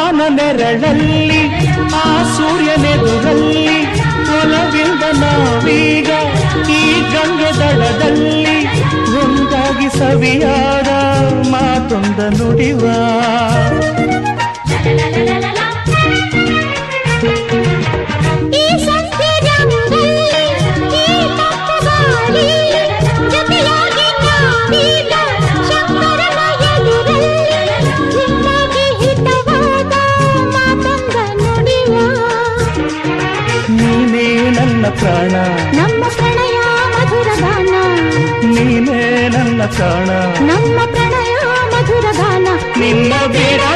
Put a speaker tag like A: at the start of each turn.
A: ಅವನ ನೆರಳಲ್ಲಿ ಆ ಸೂರ್ಯನೆದುರಲ್ಲಿ ಒಲವಿಂದ ನಾವೀಗ ಈ ಗಂಗೆ ದಡದಲ್ಲಿ ಒಂದಾಗಿ ಸವಿಯಾದ ಮಾತೊಂದ ನುಡಿವ ನೀನೇ ನನ್ನ ಪ್ರಾಣ
B: ನಮ್ಮ ಪ್ರಣಯ ಮಧುರ ಗಾನ
A: ನೀನೇ ನನ್ನ ಪ್ರಾಣ
B: ನಮ್ಮ ಪ್ರಣಯ ಮಧುರ ಗಾನ
A: ನಿನ್ನ ಬೇಡ